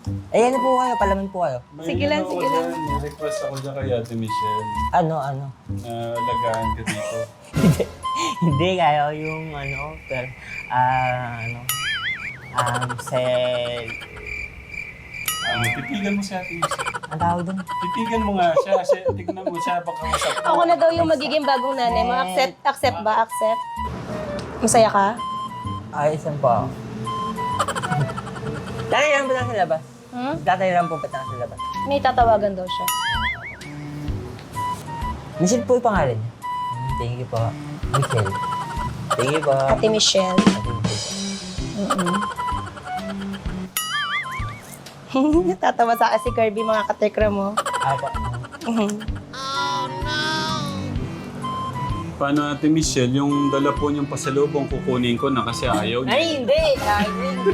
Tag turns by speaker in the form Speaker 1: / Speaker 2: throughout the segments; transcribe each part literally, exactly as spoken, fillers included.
Speaker 1: Eh, ano po kayo? Palaman po kayo.
Speaker 2: May
Speaker 3: Sige lang,
Speaker 2: ano
Speaker 3: sige
Speaker 2: ako
Speaker 3: lang.
Speaker 2: dyan, may request ako dyan kay Ate Michelle.
Speaker 1: Ano, ano?
Speaker 2: Na alagaan ka dito.
Speaker 1: Hindi. Hindi kayo yung ano, pero, ah, ano, um, sel...
Speaker 2: Ah, titigan mo si Ate Michelle.
Speaker 1: Ang tawag doon?
Speaker 2: Titigan mo nga siya. siya tignan mo siya. Baka masap mo.
Speaker 3: Ako na daw yung magiging bagong nanay mo. Accept, accept ba? Accept? Masaya ka?
Speaker 1: Ayos lang po ako. Tatay lang po na sa labas.
Speaker 3: Hmm?
Speaker 1: Tatay lang po pa na sa labas.
Speaker 3: May tatawagan daw siya.
Speaker 1: Michelle po yung pangalan niya. Hmm, Thank you po. Michelle. Thank you po.
Speaker 3: Ate Michelle.
Speaker 1: Ate Michelle.
Speaker 3: Mm-mm. Natatawa sa akin si Kirby, mga katekra mo.
Speaker 1: Apa.
Speaker 2: Paano Ate Michelle, yung dala po niyong pasalubong kukunin ko na kasi ayaw niya.
Speaker 1: Ay, hindi! Ay, hindi!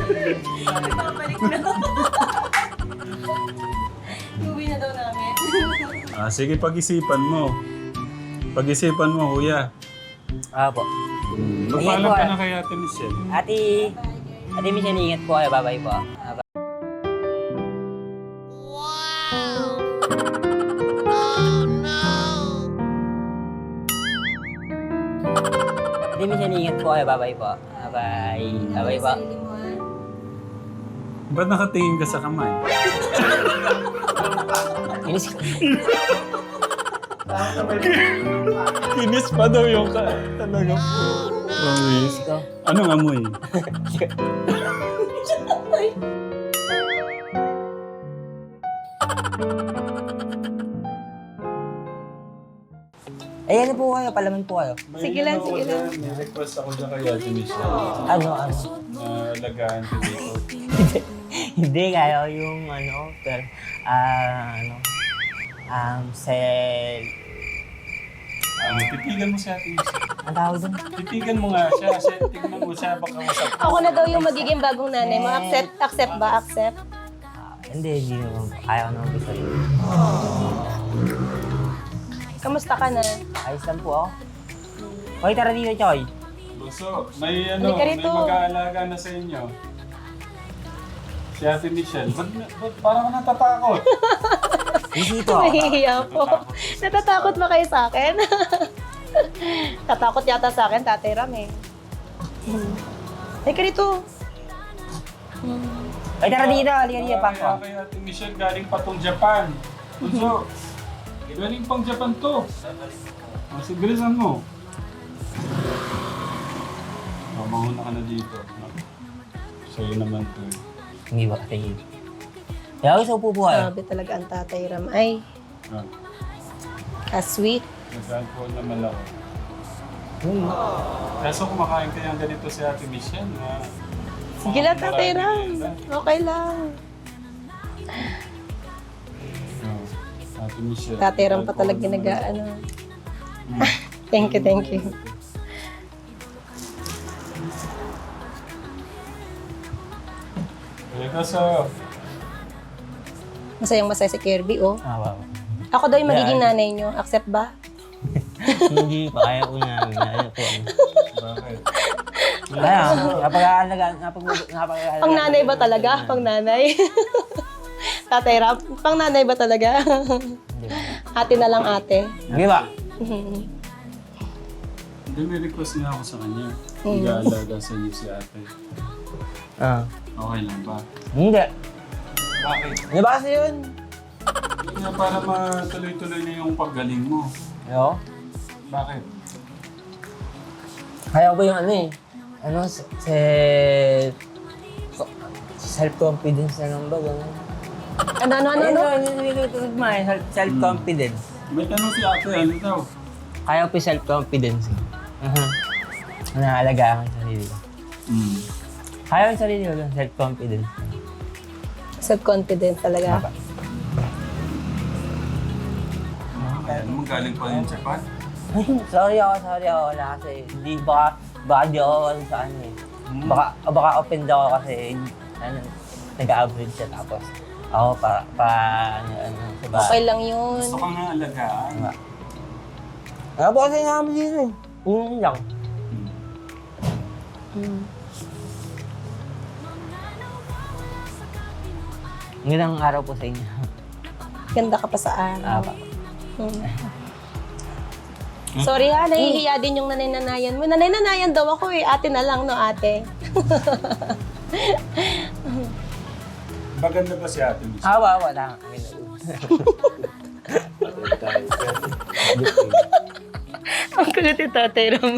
Speaker 3: Iuwi na daw namin.
Speaker 2: Ah, sige, pag-isipan mo. Pag-isipan mo, kuya.
Speaker 1: Apo.
Speaker 2: Magpaalam
Speaker 1: po,
Speaker 2: ka
Speaker 1: ah.
Speaker 2: na kay Ate Michelle.
Speaker 1: Ate, Ate Michelle, ingat po kayo. Bye-bye po. Bye-bye. Ate Michelle, ingat po kayo. Bye-bye po. Bye-bye. Bye-bye po.
Speaker 2: Ba't nakatingin ka sa kamay?
Speaker 1: Inis
Speaker 2: Kinis pa daw yung ka. Talaga po. Promise.
Speaker 1: ko.
Speaker 2: Anong amoy?
Speaker 1: Eh, ano po kayo? Palaman po kayo.
Speaker 2: May
Speaker 3: Sige lang,
Speaker 2: ano ako
Speaker 3: sige lang.
Speaker 2: dyan, May request ako dyan kay Ate Michelle.
Speaker 1: Ano, ano?
Speaker 2: Na alagaan ka dito.
Speaker 1: Hindi kayo yung ano, pero, ah, ano, um, sel...
Speaker 2: Ah, titigan mo si Ate Michelle.
Speaker 1: Ang tawag doon?
Speaker 2: Titigan mo nga siya. siya tignan mo siya. Baka masap mo.
Speaker 3: Ako na daw yung magiging bagong nanay mo. Accept, accept ba? Accept?
Speaker 1: Ah, hindi, hindi naman po. Ayaw naman po sa'yo.
Speaker 3: Kamusta ka na?
Speaker 1: Ayos lang po ako. Hoy, tara dito, Choy.
Speaker 2: Bunso, may ano,
Speaker 3: Halika
Speaker 2: may
Speaker 3: rito.
Speaker 2: mag-aalaga na sa inyo. Si Ate Michelle. Ba't, ba't parang natatakot?
Speaker 1: Bisito ako.
Speaker 3: Nahihiya po. Natatakot ba kayo sa akin? Tatakot yata sa akin, Tatay Ram eh. Hmm. Halika rito. Hmm.
Speaker 1: Hoy, tara dito. Halika dito,
Speaker 2: Kaya
Speaker 1: Pangko.
Speaker 2: kay Ate Michelle galing pa tong Japan. Bunso, galing pang Japan to. Oh, sige, bilisan mo. Oh, mauna ka na dito. Sa'yo naman to. eh.
Speaker 1: Hindi ba kasi kaya gusto po po kayo.
Speaker 3: Grabe talaga ang Tatay Ram. Ay,
Speaker 2: Ah,
Speaker 3: ka-sweet.
Speaker 2: nag-alcohol naman ako.
Speaker 1: Hmm.
Speaker 2: Kaso kumakain kaya ang ganito si Ate Michelle na...
Speaker 3: Sige lang, Tatay Ram. Okay lang.
Speaker 2: Oh, Ate Michelle.
Speaker 3: Tatay Ram pa
Speaker 2: alcohol
Speaker 3: talaga
Speaker 2: naman.
Speaker 3: nag-ano.
Speaker 2: Hmm.
Speaker 3: Thank you, thank you.
Speaker 2: Eh, kaso...
Speaker 3: Masayang masaya si Kirby, oh.
Speaker 1: Ah, wow.
Speaker 3: Ako daw yung magiging
Speaker 1: Yeah.
Speaker 3: nanay nyo. Accept ba?
Speaker 1: Hindi pa kaya po namin. Ano po.
Speaker 2: Bakit?
Speaker 1: Kaya, napag-aalaga, napag napag-aalaga.
Speaker 3: Pang nanay ba talaga? Pang nanay? Tatay Ram, pang nanay ba talaga?
Speaker 1: Hindi ba?
Speaker 3: Ate na lang ate.
Speaker 1: Hindi ba?
Speaker 2: Hindi, may request nga ako sa kanya.
Speaker 3: Mm.
Speaker 2: Mag-aalaga sa inyo si ate.
Speaker 1: Ah.
Speaker 2: Okay lang ba?
Speaker 1: Hindi.
Speaker 2: Bakit?
Speaker 1: Ano ba kasi yun?
Speaker 2: Hindi nga para matuloy-tuloy na yung paggaling mo.
Speaker 1: Yo.
Speaker 2: Bakit?
Speaker 1: Kaya ko yung ano eh. Ano, se... self-confidence na lang ba? Ganun.
Speaker 3: Ano, ano, ano, ano?
Speaker 1: Ano, ano, ano, self-confidence.
Speaker 2: May tanong si ate, ano daw?
Speaker 1: Kaya ko yung self-confidence. Uh-huh. Naalagaan ko yung sarili ko.
Speaker 2: Hmm.
Speaker 1: Kaya ko yung sarili ko, yung self-confidence.
Speaker 3: Self-confident talaga.
Speaker 1: Apa.
Speaker 2: Kaya naman galing pa yung Japan.
Speaker 1: sorry ako, sorry ako. Wala kasi, hindi, baka, baka di ako ano sa ano eh. Baka, baka offend ako kasi, ano, nag-average siya tapos, ako pa, pa, ano, ano, sa bahay.
Speaker 3: Okay lang yun.
Speaker 2: Gusto ka nga alagaan.
Speaker 1: Nga. Kaya po kasi namin dito eh. Yun lang.
Speaker 3: Mm.
Speaker 1: Magandang araw po sa inyo.
Speaker 3: Ganda ka pa sa araw.
Speaker 1: Apa.
Speaker 3: Hmm. Sorry ha, nahihiya din yung nanay-nanayan mo. Nanay-nanayan daw ako eh. Ate na lang, no ate?
Speaker 2: Maganda ba si Ate Miss?
Speaker 1: Awa, wala.
Speaker 3: Ang kulit ni Tatay Ram.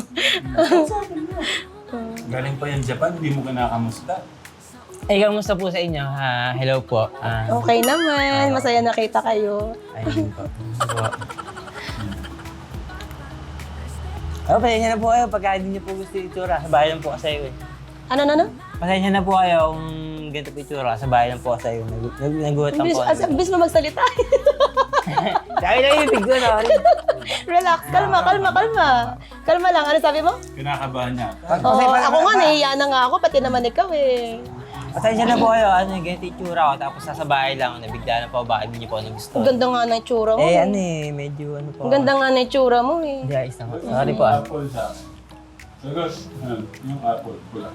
Speaker 2: Galing pa yan Japan, hindi mo kinakamusta.
Speaker 1: Eh, kamusta po sa inyo? Ah, hello po. Ah,
Speaker 3: Okay naman. Masaya nakita kayo.
Speaker 1: ayun po. po. Oh, pasensya na po kayo pagka hindi niyo po gusto yung itsura. Sa bahay lang po kasi eh.
Speaker 3: Ano, ano, ano?
Speaker 1: Pasensya na po kayo kung ganito po yung itsura. Sa bahay lang po kasi nag nag nagulat lang
Speaker 3: Bilis,
Speaker 1: po.
Speaker 3: as, bilis mo magsalita.
Speaker 1: Sabi lang yung big ko, sorry.
Speaker 3: Relax. Kalma, kalma, kalma. Kalma lang. Ano sabi mo?
Speaker 2: Kinakabahan niya.
Speaker 3: Oh, ako nga, nahihiya na nga ako. Pati naman ikaw eh.
Speaker 1: Pasensya na po kayo. Ano, ganito yung itsura ko. Tapos nasa bahay lang. Nabigla na po. Bakit hindi niyo po nagusto?
Speaker 3: Ang ganda nga na itsura mo.
Speaker 1: Eh, ano eh. Medyo ano po.
Speaker 3: Ang ganda nga na itsura mo eh.
Speaker 1: Hindi, ayos na po. Sorry
Speaker 2: Yung
Speaker 1: po ah.
Speaker 2: apple sa akin. Sagot. Ano, yung apple, pula.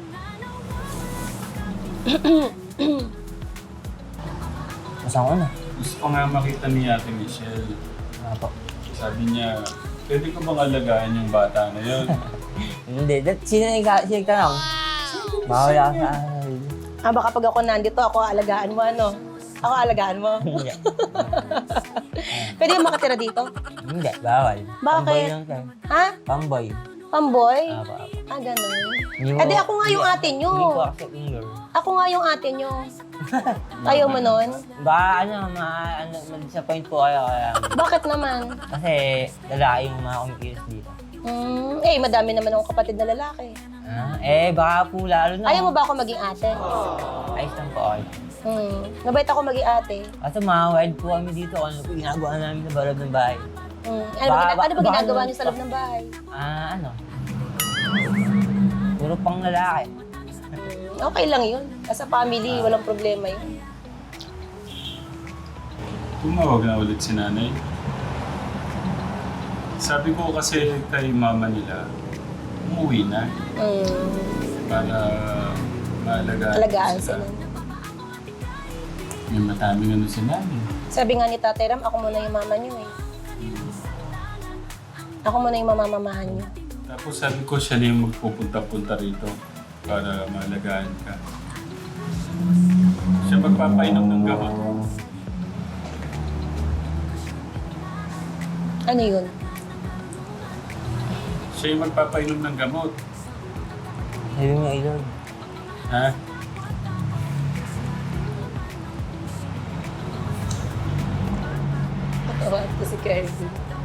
Speaker 1: Masang ko na.
Speaker 2: Gusto ko nga makita ni Ate Michelle.
Speaker 1: Ano po.
Speaker 2: Sabi niya, pwede ko bang alagaan yung bata na yun?
Speaker 1: Hindi. That, sino yung ka- sino yung tanong? Mawala ka sa ano.
Speaker 3: Ah, baka pag ako nandito, ako alagaan mo ano? Ako alagaan mo?
Speaker 1: Hindi.
Speaker 3: Pwede ka makatira dito?
Speaker 1: Hindi. Bawal.
Speaker 3: Bakit?
Speaker 1: Pamboy lang tayo.
Speaker 3: Ha?
Speaker 1: Pamboy.
Speaker 3: Pamboy?
Speaker 1: Apo, apo.
Speaker 3: Ah, ganun.
Speaker 1: Hindi
Speaker 3: Eh di ako nga yung ate nyo.
Speaker 1: Hindi po ako finger.
Speaker 3: Ako nga yung ate nyo. Ayaw mo nun?
Speaker 1: Baka ano, ma, ano, ma-disappoint po kayo. Kaya,
Speaker 3: Bakit naman?
Speaker 1: kasi lalaki yung mga kumikilos dito.
Speaker 3: Hmm, eh, madami naman akong kapatid na lalaki.
Speaker 1: Ah, eh, baka po lalo na.
Speaker 3: Ayaw mo ba ako maging ate?
Speaker 1: Ayos lang po kayo.
Speaker 3: Hmm, mabait ako maging ate.
Speaker 1: Kaso mga wild po kami dito. Ano po ginagawa namin sa loob ng bahay?
Speaker 3: Hmm, ano ba,
Speaker 1: Ba-
Speaker 3: gina- ano ba
Speaker 1: ba-
Speaker 3: ginagawa
Speaker 1: baka-
Speaker 3: niyo sa loob ng bahay?
Speaker 1: Ah, ano? Puro pang lalaki.
Speaker 3: Hmm, okay lang yun. As a family, walang problema yun.
Speaker 2: Tumawag na ulit si nanay. Sabi ko kasi kay mama nila, umuwi na
Speaker 3: Hmm,
Speaker 2: para maalagaan.
Speaker 3: alagaan sila.
Speaker 2: Yung mataming ano si nanay.
Speaker 3: Sabi nga ni Tatay Ram, ako muna yung mama niyo eh. Ako muna yung mamamamahan niyo.
Speaker 2: Tapos sabi ko siya na yung magpupunta-punta rito para maalagaan ka. Siya magpapainom ng gamot.
Speaker 3: Ano yun?
Speaker 2: Siya yung magpapainom ng gamot.
Speaker 1: Sabi mo, Lord.
Speaker 2: Ha?
Speaker 3: Tawag ko si Kirby.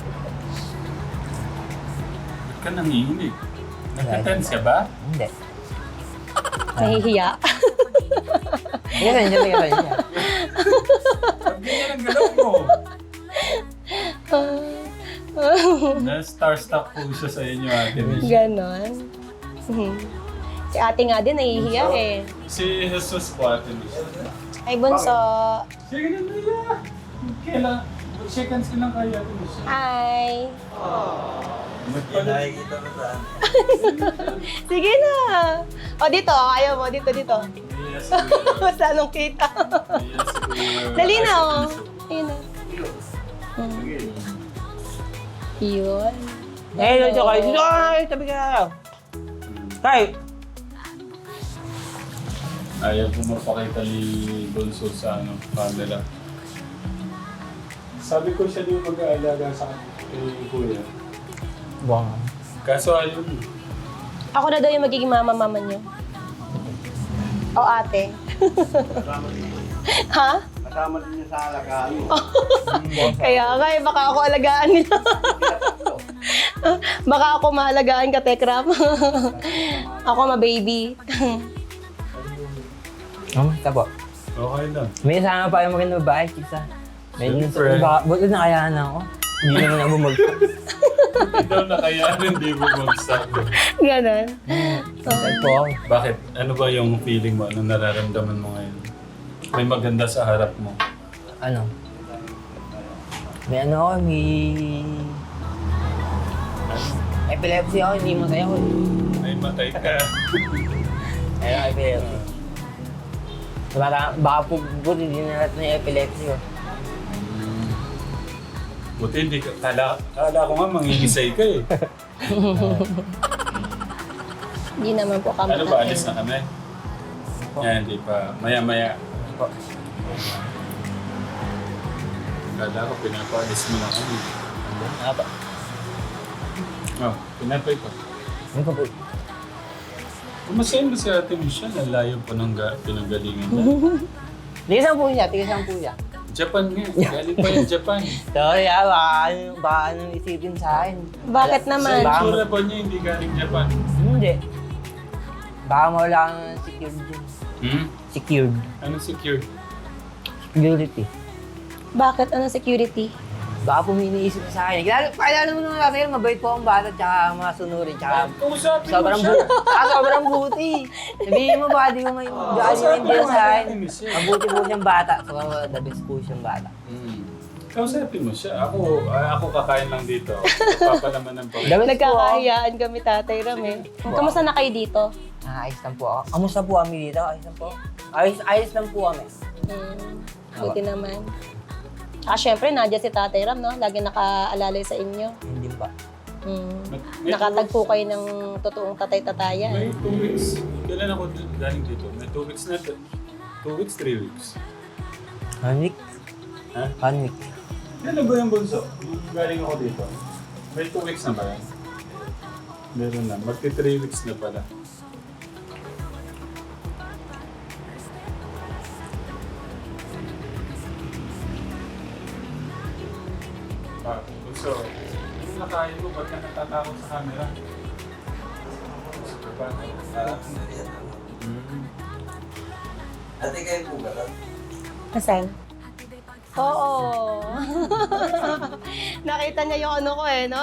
Speaker 2: Ba't ka nangihinig? Nagka-tense ka ba?
Speaker 1: Hindi.
Speaker 3: Nahihiya.
Speaker 1: Hindi ka hindi ka hindi ka.
Speaker 2: Pag ganyan ang galaw mo. Na-starstruck po siya sa inyo, Ate Mish.
Speaker 3: Ganon. Mhm. Si ate nga din, nahihiya eh.
Speaker 2: Si Jesus po, Ate Mish.
Speaker 3: Ay, bunso.
Speaker 2: Sige na nila. Kailan? Shake hands ka lang kay Ate Mish.
Speaker 3: Hi.
Speaker 2: Magpalit.
Speaker 3: Sige na. O, dito. Ayaw mo. Dito, dito.
Speaker 2: Yes,
Speaker 3: Basta anong kita.
Speaker 2: yes, kuya.
Speaker 3: Dali na, o. Ayun na. Hmm. Yun.
Speaker 1: Eh, Lord, kayo. Dito ka na kayo. Tabi ka na kayo. Kayo.
Speaker 2: Ayaw ko mapakita ni Bonso sa ano, camera. Sabi ko siya din mag-aalaga sa kay Kuya.
Speaker 1: Buwang.
Speaker 2: Kaso ayaw mo.
Speaker 3: Ako na daw yung magiging mama-mama niyo. O, ate. Ha?
Speaker 4: Kasama din niya sa alagaan mo.
Speaker 3: Kaya nga, eh, baka ako alagaan nila. Baka ako maalagaan ka, Tekram. Ako ma-baby.
Speaker 1: Oh, tabo.
Speaker 2: Okay lang.
Speaker 1: May isama pa yung magandang babae, kisa. Medyo
Speaker 2: Siyempre.
Speaker 1: baka, buti na kaya na ako. Hindi naman ako bumagsak.
Speaker 2: Hindi daw nakayanan, hindi bumagsak.
Speaker 3: Ganon.
Speaker 1: Saan po ako?
Speaker 2: Bakit? Ano ba yung feeling mo? Anong nararamdaman mo ngayon? May maganda sa harap mo.
Speaker 1: Ano? May ano ako, may... Epilepsy ako, hindi masaya ko. eh.
Speaker 2: May matay ka.
Speaker 1: Ayun, epilepsy. Baka, baka po, buti hindi na natin yung epilepsy ko.
Speaker 2: Buti hindi ka, kala, kala ko nga mangingisay ka eh.
Speaker 3: Hindi naman po kami.
Speaker 2: Ano ba, alis na kami? Yan, hindi pa. Maya-maya.
Speaker 1: Po.
Speaker 2: Kala ko, pinapaalis mo na kami.
Speaker 1: Ano pa?
Speaker 2: Oh, pinapay pa.
Speaker 1: Ano pa po?
Speaker 2: Kumasayin ba si Ate Michelle? Ang layo pa ng ga- pinanggalingan niya.
Speaker 1: Tigasan po siya, tigasan po siya.
Speaker 2: Japan nga. Galing pa yung Japan.
Speaker 1: Sorry ah, baka, ano- baka anong isipin sa akin.
Speaker 3: Bakit
Speaker 2: Sa
Speaker 3: naman?
Speaker 1: Baka-
Speaker 2: itsura pa niya, hindi galing Japan.
Speaker 1: Hindi. Baka mawala kang secured dyan.
Speaker 2: Hmm?
Speaker 1: Secured.
Speaker 2: Anong secure?
Speaker 1: Security.
Speaker 3: Bakit? Anong security?
Speaker 1: Baka po may iniisip sa akin. Kilala, pakilala mo naman natin, mabait po ang bata, tsaka masunurin, tsaka
Speaker 2: Kausapin mo
Speaker 1: sobrang
Speaker 2: siya.
Speaker 1: buti. Tsaka sobrang buti. Sabihin mo baka di mo may
Speaker 2: Kausapin
Speaker 1: hindi
Speaker 2: mo
Speaker 1: sa
Speaker 2: si
Speaker 1: akin.
Speaker 2: Ate Michelle.
Speaker 1: Mabuti po siyang bata. So, the best po siyang bata.
Speaker 2: Hmm. Kausapin mo siya. Ako, ah, ako kakain lang dito. Papalaman ng pag-
Speaker 1: The best po.
Speaker 3: Nagkakahiyaan kami, Tatay Ram eh. Kamusta na kayo dito?
Speaker 1: Ah, ayos lang po ako. Kamusta po kami dito? Ayos lang po. Ayos, ayos lang po kami.
Speaker 3: Hmm, buti naman. Ah, syempre, nandiyan si Tatay Ram, no? Lagi nakaalalay sa inyo.
Speaker 1: Hindi pa.
Speaker 3: Hmm.
Speaker 2: May-
Speaker 3: Nakatagpo kayo ng totoong tatay-tatayan.
Speaker 2: May two weeks. Kailan ako d- galing dito? May two weeks na. to. Two weeks, three weeks.
Speaker 1: One week?
Speaker 2: Ha?
Speaker 1: One week.
Speaker 2: Kailan ba yung bunso? Yung galing ako dito. May two weeks na ba yan? Meron na. Magti three weeks na pala. Ah, bunso. Yung nakain mo, ba't ka natatakot sa camera? Gusto ba? Hmm.
Speaker 4: Ate kayo po ba?
Speaker 3: Asan? Oo. Nakita niya yung ano ko eh, no?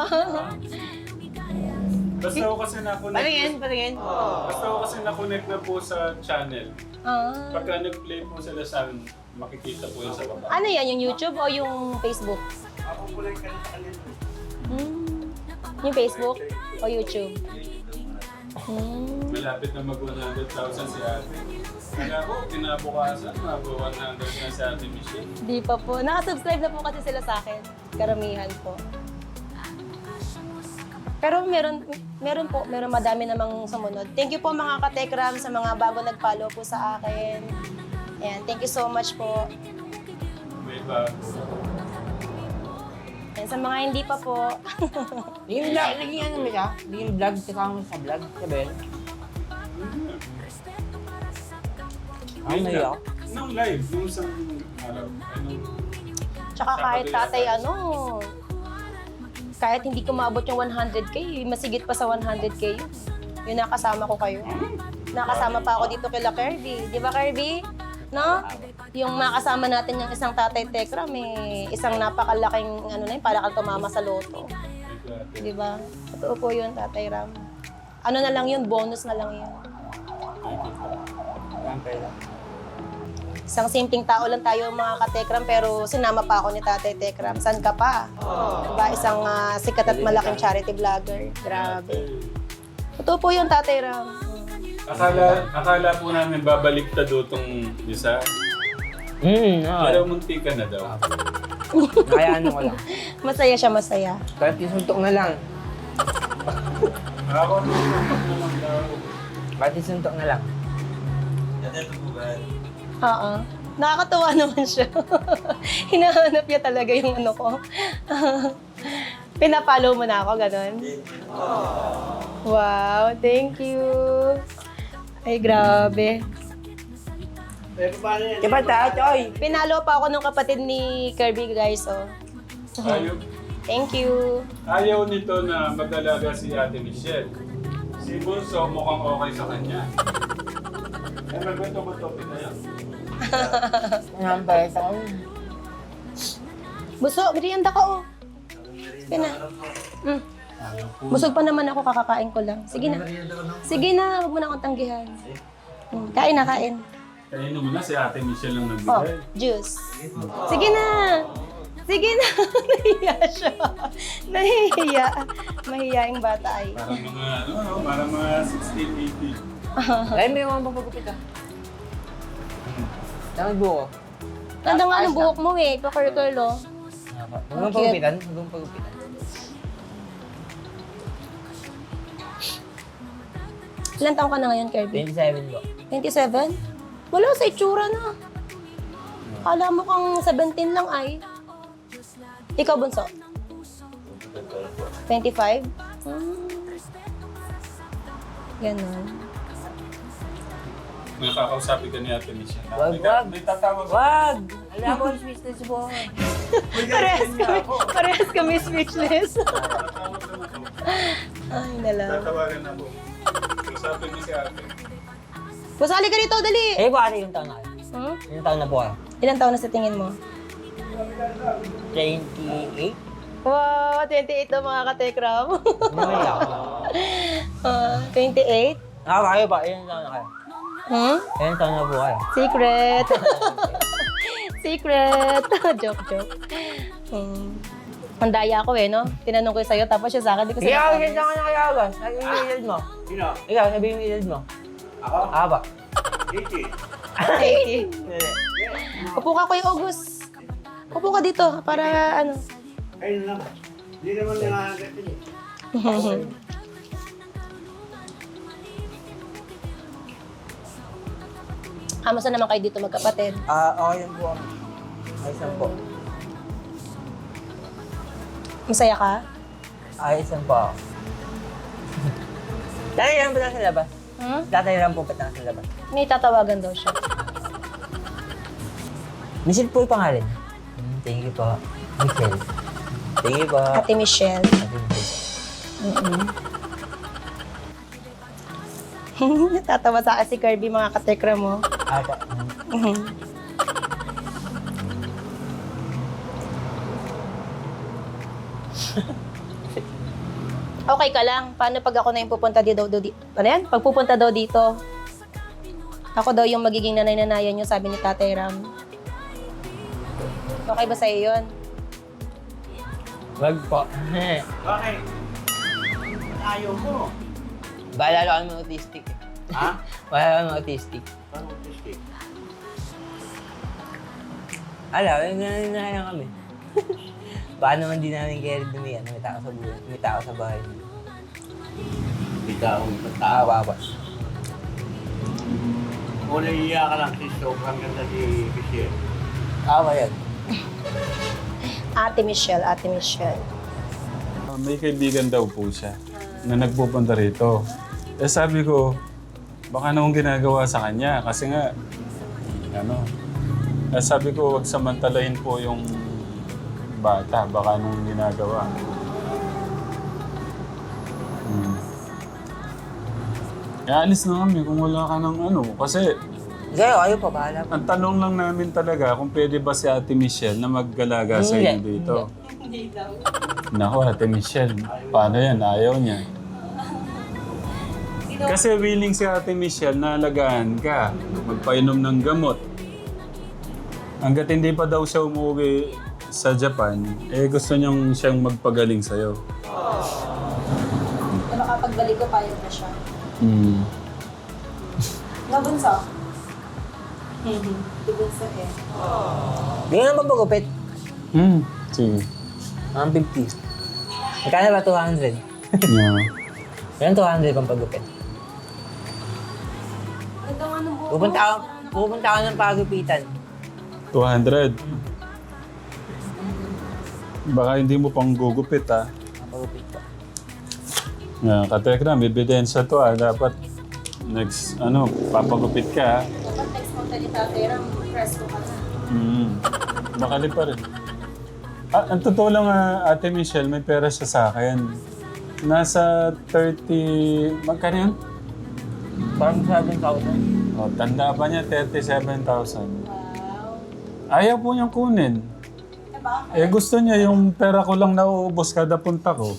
Speaker 2: Basta ako kasi nakonect.
Speaker 1: Patingin, patingin.
Speaker 2: Basta ako kasi nakonect na po sa channel.
Speaker 3: Ah.
Speaker 2: Pagka nag-play po sila sa amin, makikita po yun sa baba.
Speaker 3: Ano yan? Yung YouTube o yung Facebook?
Speaker 4: Ako po lang kanina kanina.
Speaker 3: Hmm. Yung Facebook o YouTube? Hmm.
Speaker 2: Malapit na mag one hundred thousand si ate. Kaya ko, kinabukasan, mag one hundred na si ate Michelle.
Speaker 3: Di pa po. Nakasubscribe na po kasi sila sa akin. Karamihan po. Pero meron, meron po, meron madami namang sumunod. Thank you po mga katekram sa mga bago nag-follow po sa akin. Ayan, thank you so much po.
Speaker 2: May bago.
Speaker 3: Ayan, sa mga hindi pa po,
Speaker 1: Naging vlog, naging ano mo siya? Naging vlog, kasama mo sa vlog, siya ba yun? Ah,
Speaker 2: Ayun
Speaker 1: may
Speaker 2: nga.
Speaker 1: ako.
Speaker 2: Nung live, nung isang araw. Anong...
Speaker 3: tsaka kahit tatay ano, kahit hindi ko maabot yung one hundred K, masigit pa sa one hundred K yun. Yung nakasama ko kayo. Nakasama pa ako dito kila Kirby. Di ba Kirby? No? Yung makasama natin yung isang tatay Tekram, eh, isang napakalaking ano na yun, para kang tumama sa loto. Di ba? Totoo po yun, Tatay Ram. Ano na lang yun, bonus na lang yun. Isang simpleng tao lang tayo mga katekram, pero sinama pa ako ni Tatay Tekram. San ka pa? Diba? Isang ah, sikat at malaking charity vlogger. Grabe. Totoo po yun, Tatay Ram.
Speaker 2: Akala, akala po namin babalik ta do tong isa.
Speaker 1: Hmm, oo.
Speaker 2: Pero munti ka na daw.
Speaker 1: Kaya ano ko lang.
Speaker 3: Masaya siya, masaya.
Speaker 1: Kahit isuntok na lang.
Speaker 2: Ako, nung na lang daw.
Speaker 1: Kahit isuntok na lang.
Speaker 4: Ate po ba?
Speaker 3: Oo. Nakakatuwa naman siya. Hinahanap niya talaga yung ano ko. Pinapollow mo na ako, ganun. Wow, thank you. Ay, grabe.
Speaker 4: Pero paano yan?
Speaker 1: Diba tayo, Choy?
Speaker 3: Pinalo pa ako ng kapatid ni Kirby, guys, oh.
Speaker 2: Ayaw,
Speaker 3: Thank you.
Speaker 2: ayaw nito na mag-alaga si Ate Michelle. Si Bunso mukhang okay sa kanya. Eh, magbanto-banto tayo.
Speaker 1: Ang pala sa akin.
Speaker 3: Buso, merienda ka, oh. Pina. Mm.
Speaker 2: Ayaw po.
Speaker 3: Busog pa naman ako, kakakain ko lang. Sige na. Sige na, huwag mo na akong tanggihan. Mm, kain na, kain.
Speaker 2: Kainin mo na si Ate Michelle lang
Speaker 3: Oh,
Speaker 2: nagbigay.
Speaker 3: juice. Sige na. Sige na. Nahiya siya. Nahihiya. Mahihiyaing bata ay.
Speaker 2: Parang mga, ano, ano, parang mga sixteen, eighteen.
Speaker 1: Ay, may mga papagupit ah. Tama buko.
Speaker 3: Ganda nga
Speaker 1: Ayos
Speaker 3: ng buhok mo eh, pa-curl-curl oh.
Speaker 1: Huwag mong
Speaker 3: Cute.
Speaker 1: pagupitan. Huwag mong pagupitan.
Speaker 3: Ilan taong ka na ngayon, Kirby?
Speaker 1: twenty-seven po.
Speaker 3: twenty-seven? Wala sa itsura na. Kala mo kang seventeen lang ay. Ikaw, Bunso? twenty-five? Hmm. Ganon.
Speaker 2: Nakakausapin ka ni Ate Michelle.
Speaker 1: Wag,
Speaker 2: May-
Speaker 1: wag.
Speaker 2: May tatawag.
Speaker 1: Wag! Alam ko, speechless po.
Speaker 3: Parehas kami, parehas kami speechless.
Speaker 2: Tatawag naman ako.
Speaker 3: Ay, nala.
Speaker 2: Tatawagan ako. Usapin mo si Ate.
Speaker 3: Pusali ka dito, dali!
Speaker 1: Eh, po ate, yung taon na kayo?
Speaker 3: Hmm?
Speaker 1: Yung taon na po kayo?
Speaker 3: Ilan taon na sa tingin mo?
Speaker 1: twenty-eight?
Speaker 3: Wow, twenty-eight na mga katekram.
Speaker 1: Hindi ako.
Speaker 3: Ah, twenty-eight?
Speaker 1: Ah, kayo pa. Ilang taon na kayo?
Speaker 3: Hmm?
Speaker 1: Ilang taon na po kayo?
Speaker 3: Secret. Secret. joke, joke. Hmm. Ang daya ko eh, no? Tinanong ko sa'yo, tapos siya sa akin, di ko
Speaker 1: Ikaw,
Speaker 3: sinasabi.
Speaker 1: ilan taon na kayo, Agas? Sabihin mo yung edad mo.
Speaker 4: Sino?
Speaker 1: Ikaw, sabihin mo yung edad mo.
Speaker 4: Ako?
Speaker 1: Ah, ba?
Speaker 4: eighty.
Speaker 3: eighty.
Speaker 1: Hindi.
Speaker 3: Upo ka, Kuya August. Upo ka dito, para ano.
Speaker 4: Ayun lang. Hindi naman nangangagat yun eh.
Speaker 3: Kamusta naman kayo dito magkapatid?
Speaker 1: Ah, okay lang po. Ayos lang po.
Speaker 3: Masaya ka?
Speaker 1: Ayos lang po ako. Dati lang po na sa labas.
Speaker 3: Hmm?
Speaker 1: Dati lang po pa na sa labas.
Speaker 3: May tatawagan daw siya.
Speaker 1: Michelle po yung pangalan. Hmm, thank you po. Michelle. Thank you po.
Speaker 3: Ate Michelle.
Speaker 1: Ate Michelle.
Speaker 3: Mm-mm. Natatawa sa akin si Kirby, mga katekra mo.
Speaker 1: Ate.
Speaker 3: Mhm. Okay ka lang. Paano pag ako na yung pupunta dito? Di, ano yan? Pag pupunta daw dito, ako daw yung magiging nanay-nanayan niyo, sabi ni Tatay Ram. Okay ba sa'yo yun?
Speaker 1: Wag po.
Speaker 4: Bakit? Ayaw mo.
Speaker 1: Baalala ko naman autistic eh.
Speaker 4: Ha?
Speaker 1: Baalala ko naman autistic.
Speaker 4: Paano autistic?
Speaker 1: Alam, yung nananayan kami. Baka naman di namin kaya dumi, ano, may tao sa buhay, may tao sa bahay.
Speaker 4: Ikaw,
Speaker 1: Tao,
Speaker 4: tao.
Speaker 1: papa.
Speaker 4: Kung naiiyak ka lang si sobrang ganda si Michelle.
Speaker 1: Tao ba yan?
Speaker 3: Ate Michelle, Ate Michelle.
Speaker 2: Ah, may kaibigan daw po siya na nagpupunta rito. Eh sabi ko, baka nung ginagawa sa kanya kasi nga, ano, eh sabi ko wag samantalahin po yung bata, baka nung ginagawa. Hmm. Eh, alis na kami kung wala ka ng ano, kasi
Speaker 1: Kayo, kayo pa, bahala po.
Speaker 2: ang tanong lang namin talaga kung pwede ba si Ate Michelle na maggalaga sa inyo
Speaker 1: Hindi.
Speaker 2: dito. Naku, Ate Michelle, paano yan? Ayaw niya. Kasi willing si Ate Michelle na alagaan ka, magpainom ng gamot. Hanggat hindi pa daw siya umuwi sa Japan, eh gusto niyang siyang magpagaling sa'yo.
Speaker 3: Na makapagbalik ko, payag na siya.
Speaker 2: Hmm.
Speaker 3: Nabunso? Hindi. Dibunso eh.
Speaker 1: Hindi nga naman pagupit.
Speaker 2: Hmm. Sige.
Speaker 1: Ang fifty. Magkano ba two hundred?
Speaker 2: Yeah.
Speaker 1: Yan two hundred pang pagupit.
Speaker 3: Ganda nga ng buhok.
Speaker 1: Pupunta ako, pupunta ako ng pagupitan.
Speaker 2: two hundred. Baka hindi mo pang gugupit ah.
Speaker 1: Pagupit ko.
Speaker 2: Yeah, katekram, ebidensya to ah. Dapat next, ano, papagupit ka ah.
Speaker 3: Dapat next month ni Tatay Ram, press ko ka na.
Speaker 2: Mm. Bakali pa rin. Ah, ang totoo lang ah, Ate Michelle, may pera siya sa akin. Nasa thirty... Magkano yun?
Speaker 1: Parang seven thousand.
Speaker 2: Oh, tanda pa niya, thirty-seven thousand.
Speaker 3: Wow.
Speaker 2: Ayaw po niyang kunin.
Speaker 3: Diba?
Speaker 2: Eh gusto niya yung pera ko lang nauubos kada punta ko.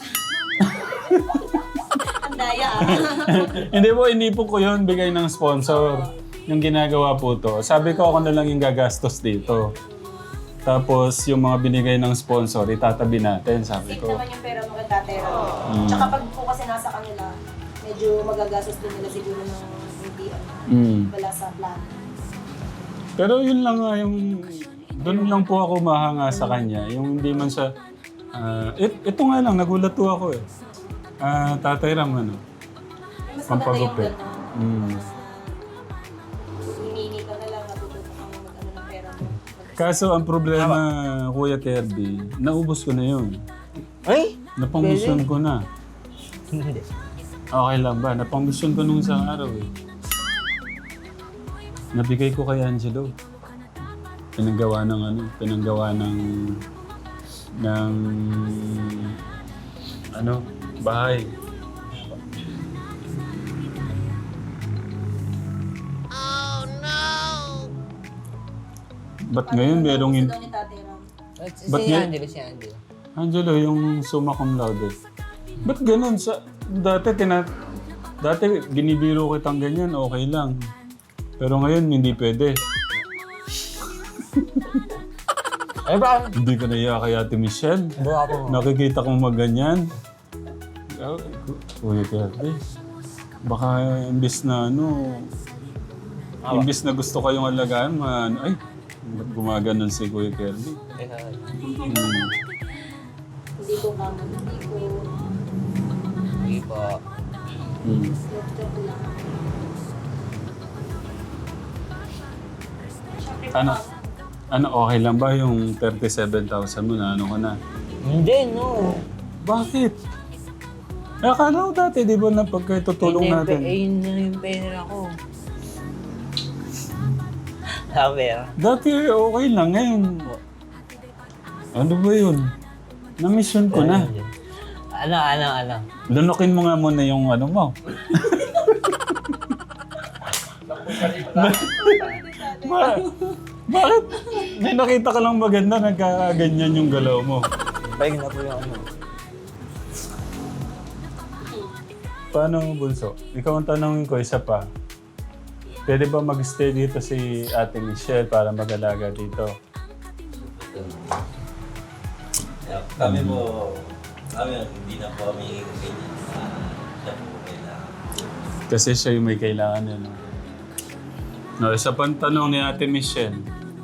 Speaker 3: Ang daya ah.
Speaker 2: Hindi po, inipon ko yun, bigay ng sponsor. Yung ginagawa po to. Sabi ko ako na lang yung gagastos dito. Tapos yung mga binigay ng sponsor, itatabi natin, sabi
Speaker 3: Save
Speaker 2: ko.
Speaker 3: naman yung pera mo kay Tatay Ram.
Speaker 2: Mm.
Speaker 3: Tsaka pag po kasi nasa kanila, medyo magagastos din nila siguro ng hindi ano,
Speaker 2: Mm.
Speaker 3: wala sa plan.
Speaker 2: Pero yun lang nga yung... Doon lang po ako mahanga sa kanya. Yung hindi man siya... ah, it, ito nga lang, nagulat po ako eh. Ah, Tatay Ram, ano?
Speaker 3: Mas maganda yung
Speaker 2: Pampagupit.
Speaker 3: gano'n.
Speaker 2: Mm.
Speaker 3: Hinihingi ka na lang, natututo kang mag-ano ng pera mo.
Speaker 2: Kaso ang problema, Kuya Kirby, naubos ko na yun.
Speaker 1: Ay!
Speaker 2: Napangmisyon ko na.
Speaker 1: Hindi.
Speaker 2: Okay lang ba? Napangmisyon ko nung isang araw eh. Nabigay ko kay Angelo. Pinanggawa ng ano, pinanggawa ng ng ano, bahay. Ba't ngayon merong in...
Speaker 3: Gusto daw ni Tatay Ram.
Speaker 1: Si
Speaker 2: Ba't nga-
Speaker 1: Angelo, si Angelo.
Speaker 2: Angelo, yung summa cum laude. Ba't ganun? Sa, dati, tina, dati binibiro kitang ganyan, okay lang. Pero ngayon, hindi pwede.
Speaker 1: Ay, ba?
Speaker 2: Hindi ko naiya kay Ate Michelle.
Speaker 1: Buka po.
Speaker 2: Nakikita kong maganyan. Oh, Kuya Kirby, baka imbis na ano, imbis na gusto kayong alagaan, man, ay, ba't gumaganon si Kuya Kirby? Hmm.
Speaker 3: Hindi ko kamo, hindi ko.
Speaker 1: Hindi po.
Speaker 2: Hmm.
Speaker 3: Joke lang.
Speaker 2: Ano? Ano, okay lang ba yung thirty-seven thousand mo na ano ko na?
Speaker 1: Hindi, no.
Speaker 2: Bakit? Eh, akala ko dati, di ba, na pagkatutulong
Speaker 1: Ayun na yung
Speaker 2: natin?
Speaker 1: pe- Ayun na yung pera ko. Sabi ah.
Speaker 2: Dati okay lang, ngayon. Ano ba yun? Na-mission ko na.
Speaker 1: Ano, ano, ano?
Speaker 2: Lunukin mo nga muna yung ano mo. ba- bakit? May nakita ka lang maganda, nagkaganyan yung galaw mo.
Speaker 1: Balik na po yung ano.
Speaker 2: Paano, Bunso? Ikaw ang tanongin ko, isa pa. Pwede ba mag-stay dito si Ate Michelle para mag-alaga dito?
Speaker 5: Kami po, kami hindi na po kami ganyan sa siya po kailangan.
Speaker 2: Kasi siya yung may kailangan eh, no? No, isa pang tanong ni Ate Michelle.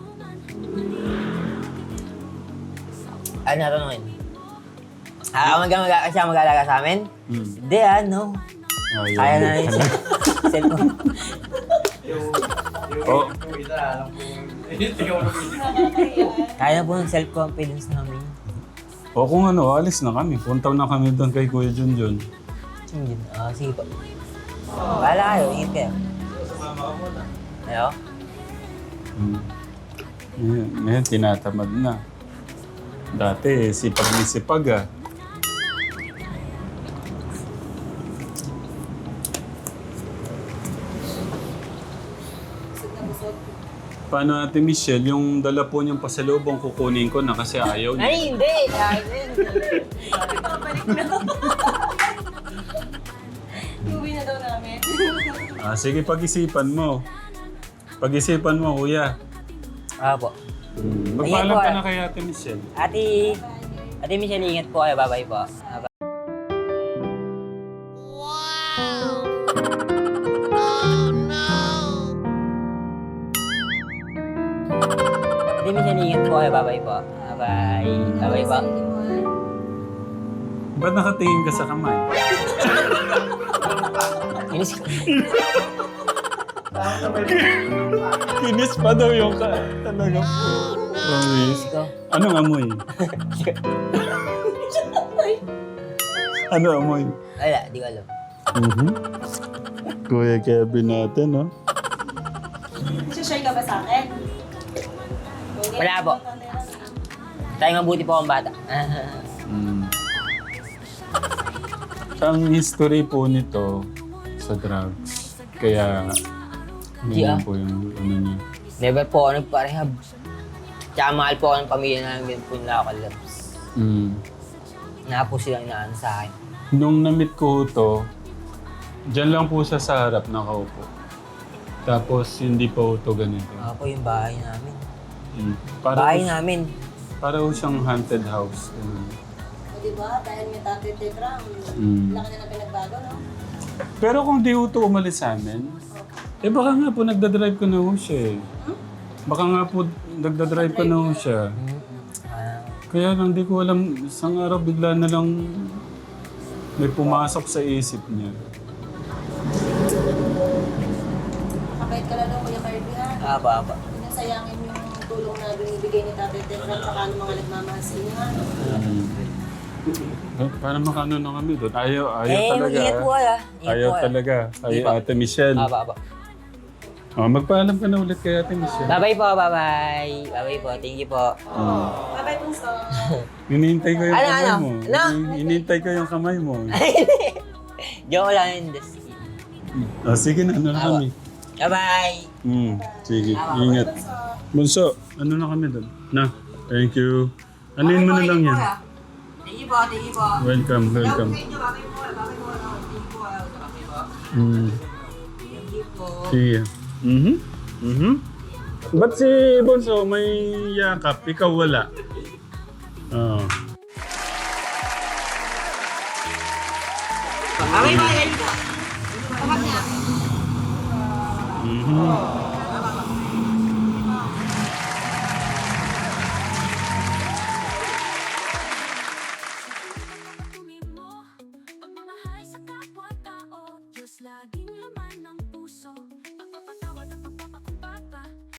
Speaker 1: Ano tanongin? Ah, mag mag siya mag-alaga sa amin?
Speaker 2: Hmm.
Speaker 1: Hindi, ano?
Speaker 2: Oh, yun.
Speaker 1: Kaya na yun siya. Cellphone.
Speaker 4: Yung, yung,
Speaker 2: Oh.
Speaker 4: yung isa, alam ko, yung ikaw na po.
Speaker 1: Kaya na po ng self-confidence namin.
Speaker 2: O kung ano, alis na kami. Punta na kami doon kay Kuya Junjun.
Speaker 1: Yun, ah, sige po. Bahala kayo, ingat kayo. Hello?
Speaker 2: Hmm. Ngayon, ngayon, tinatamad na. Dati, sipag ni sipag ah. Paano Ate Michelle, yung dala po niyang pasalubong kukunin ko na kasi ayaw niya.
Speaker 1: Ay, hindi! Akin!
Speaker 3: Uwi na daw namin.
Speaker 2: Ah, sige, pag-isipan mo. Pag-isipan mo, kuya.
Speaker 1: Ah po.
Speaker 2: Hmm.
Speaker 1: Ayan
Speaker 2: Magpaalam
Speaker 1: po,
Speaker 2: ka
Speaker 1: ah.
Speaker 2: na kay Ate Michelle.
Speaker 1: Ate, Ate Michelle, ingat po kayo. Bye-bye po. Ah, bye. Ate Michelle, ingat po kayo. Bye-bye po. Ah, bye. Bye-bye po.
Speaker 2: Ba't nakatingin ka sa kamay?
Speaker 1: Inis
Speaker 2: Kinis pa daw yung ka. Talaga po. Promise.
Speaker 1: ko.
Speaker 2: Anong amoy? Ano amoy?
Speaker 1: Wala, di ko alam.
Speaker 2: Mhm. Kuya Kevin natin, no?
Speaker 3: Share ka ba sa akin?
Speaker 1: Wala po. Tayo mabuti po akong bata.
Speaker 2: Mm. Ang history po nito sa drugs. Kaya,
Speaker 1: Di ah.
Speaker 2: yun po yung ano niya.
Speaker 1: Never po ako nagpa-rehab. Tsaka mahal po ako ng pamilya namin po nila ako loves.
Speaker 2: Mm.
Speaker 1: Na po silang inaano sa akin.
Speaker 2: Nung na-meet ko to, dyan lang po siya sa harap nakaupo. Tapos hindi pa ito ganito.
Speaker 1: Ako po yung bahay namin.
Speaker 2: Mm. Para,
Speaker 1: Bahay namin.
Speaker 2: para po siyang haunted house. Ganun.
Speaker 3: O diba, dahil may tatay Tegram,
Speaker 2: Mm.
Speaker 3: laki na ng pinagbago, no?
Speaker 2: Pero kung di ito umalis sa amin, eh baka nga po nagdadrive ko na ho siya eh. Baka nga po, nagdadrive pa na ho siya.
Speaker 1: Ah,
Speaker 2: Kaya lang, di ko alam, isang araw bigla na lang may pumasok sa isip niya.
Speaker 3: Kapait ka lang daw, Kuya Kirby, ha?
Speaker 1: aba, aba.
Speaker 3: Huwag nang sayangin yung tulong na binibigay ni Tatay Tekram at saka ng mga nagmamahal sa inyo, ha?
Speaker 2: Eh, para makano na kami doon. Ayaw, ayaw
Speaker 1: Eh,
Speaker 2: talaga.
Speaker 1: ingat po ah. Ingat
Speaker 2: Ayaw
Speaker 1: po, ah.
Speaker 2: talaga. Ayaw
Speaker 1: Di ba?
Speaker 2: Ate Michelle.
Speaker 1: Aba, aba.
Speaker 2: Oh, magpaalam ka na ulit kay Ate Michelle.
Speaker 1: Bye-bye po, bye-bye. Bye-bye po, thank you po.
Speaker 3: Bye-bye, Punso.
Speaker 2: Hinihintay ko yung
Speaker 1: Ano,
Speaker 2: kamay
Speaker 1: ano?
Speaker 2: mo.
Speaker 1: Ano?
Speaker 2: Hin- Hinihintay ko yung kamay mo.
Speaker 1: Joke lang yun, this kid.
Speaker 2: Oh, sige na, ano na kami.
Speaker 1: Bye-bye.
Speaker 2: Hmm, sige, ingat. Bunso, ano na kami doon? Na, thank you. Anuin mo na lang yan.
Speaker 1: Thank you po, thank you po.
Speaker 2: Welcome, welcome. Hmm,
Speaker 1: Thank you po.
Speaker 2: sige. Mhm. Mhm. Ba't si Bunso may yakap, ikaw wala? Oh.
Speaker 1: Bye-bye, thank you po.
Speaker 2: Mhm.
Speaker 6: Pagmamahal sa kapwa-tao, Diyos laging laman ng puso.